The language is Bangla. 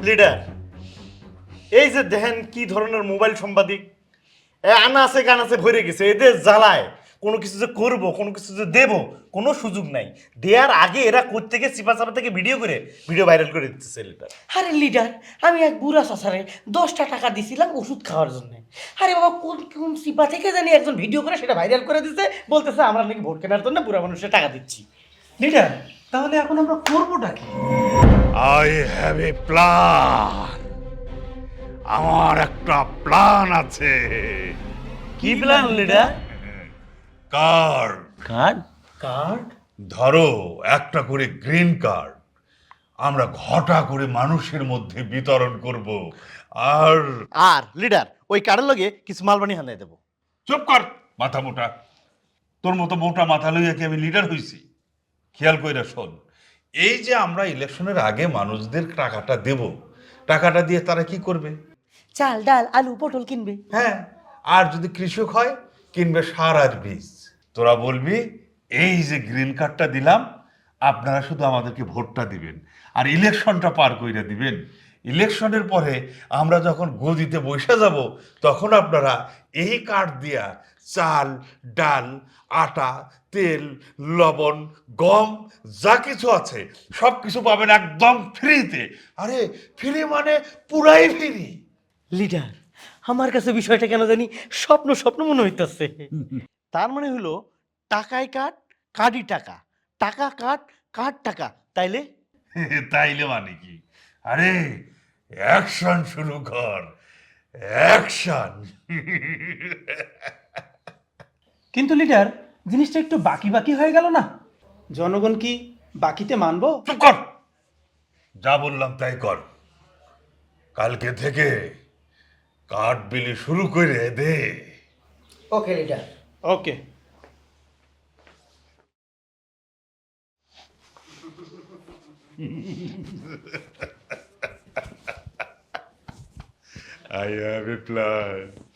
লিডার, এই যে দেখেন কি ধরনের মোবাইল সাংবাদিক, আনাচে কানাচে ভরে গেছে, এদের জ্বালায় কোনো কিছু যে করবো, কোনো কিছু যে দেবো, কোনো সুযোগ নাই। দেওয়ার আগে এরা কোত্থেকে চিপা চাপা থেকে ভিডিও করে ভিডিও ভাইরাল করে দিতেছে লিডার। আরে লিডার, আমি এক বুড়া চাচারে 10টা টাকা দিছিলাম ওষুধ খাওয়ার জন্য। আরে বাবা, কোন কোন সিপা থেকে জানি একজন ভিডিও করে সেটা ভাইরাল করে দিচ্ছে, বলতেছে আমরা নাকি ভোট কেনার জন্য বুড়া মানুষের টাকা দিচ্ছি। লিডার, তাহলে এখন আমরা করবোটা কি? I have a plan. আমার একটা প্ল্যান আছে। কি plan leader? Card. Card? Card? ধরো একটা করে গ্রিন কার্ড আমরা ঘটা করে মানুষের মধ্যে বিতরণ করব। আর আর লিডার, ওই কার্ডের লগে কিছু মালবানি হানাই দেবো। চুপ কর মাথা মোটা। তোর মতো মোটা মাথা লইয়া কি আমি লিডার হইছি? খেয়াল কইরা শোন, এই যে আমরা ইলেকশনের আগে মানুষদের টাকাটা দেব, টাকাটা দিয়ে তারা কি করবে? চাল ডাল আলু পটল কিনবে। হ্যাঁ, আর যদি কৃষক হয় কিনবে সার আর বীজ। তোরা বলবি এই যে গ্রিন কার্ডটা দিলাম, আপনারা শুধু আমাদেরকে ভোটটা দিবেন আর ইলেকশনটা পার কইরা দিবেন। ইলেকশনের পরে আমরা যখন গদিতে বসে যাব, তখন আপনারা এই কার্ড দিয়া চাল ডাল আটা তেল লবণ গম যা কিছু আছে সব কিছু পাবেন একদম ফ্রিতে। আরে ফ্রি মানে পুরাই ফ্রি। লিডার, আমার কাছে বিষয়টা কেন জানি স্বপ্ন স্বপ্ন মনে হইতেছে। তার মানে হলো টাকায় কাঠ, কার্ডই টাকা, টাকা কাঠ, কাঠ টাকা, তাইলে তাইলে মানে কি? আরে অ্যাকশন শুরু কর, অ্যাকশন। কিন্তু লিডার, জিনিসটা একটু বাকি বাকি হয়ে গেল না? জনগণ কি বাকিতে মানবো? চুপ কর, যা বললাম তাই কর। কালকে থেকে কাঠ বিলি শুরু করে দে। Okay leader. Okay. I have a plan.